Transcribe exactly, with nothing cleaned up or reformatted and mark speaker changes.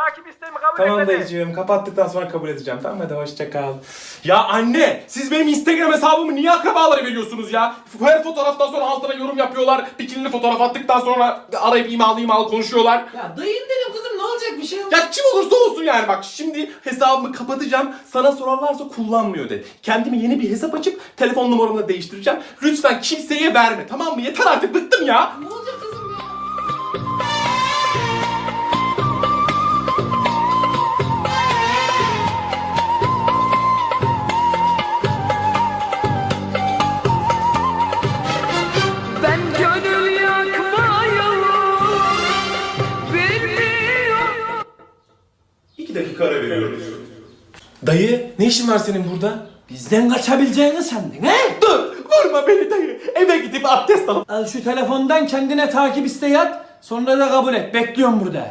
Speaker 1: takip isteğimi kabul
Speaker 2: Tamam
Speaker 1: etmedi.
Speaker 2: dayıcığım, kapattıktan sonra kabul edeceğim. Tamam, hadi hoşça kal. Ya anne, siz benim Instagram hesabımı niye akrabalara veriyorsunuz ya? Her fotoğraftan sonra altına yorum yapıyorlar. Bikinili fotoğraf attıktan sonra arayıp imalı imalı konuşuyorlar.
Speaker 3: Ya dayın dedim kızım, ne olacak, bir şey yok.
Speaker 2: Ya kim olursa olsun yani, bak şimdi hesabımı kapatacağım. Sana sorarlarsa kullanmıyor de. Kendime yeni bir hesap açıp telefon numaramı da değiştireceğim. Lütfen kimseye verme, tamam mı? Yeter artık, bıktım ya.
Speaker 3: Ne olacak kızım ya?
Speaker 4: Ben gönül yakmayalım bilmiyorum.
Speaker 2: İki dakika ara veriyoruz. Dayı, ne işin var senin burada?
Speaker 3: Bizden kaçabileceğini sandın he?
Speaker 2: Dur, vurma beni dayı. Eve gidip abdest alıp
Speaker 3: Al şu telefondan kendine takip isteği at. Sonra da kabul et. Bekliyorum burada.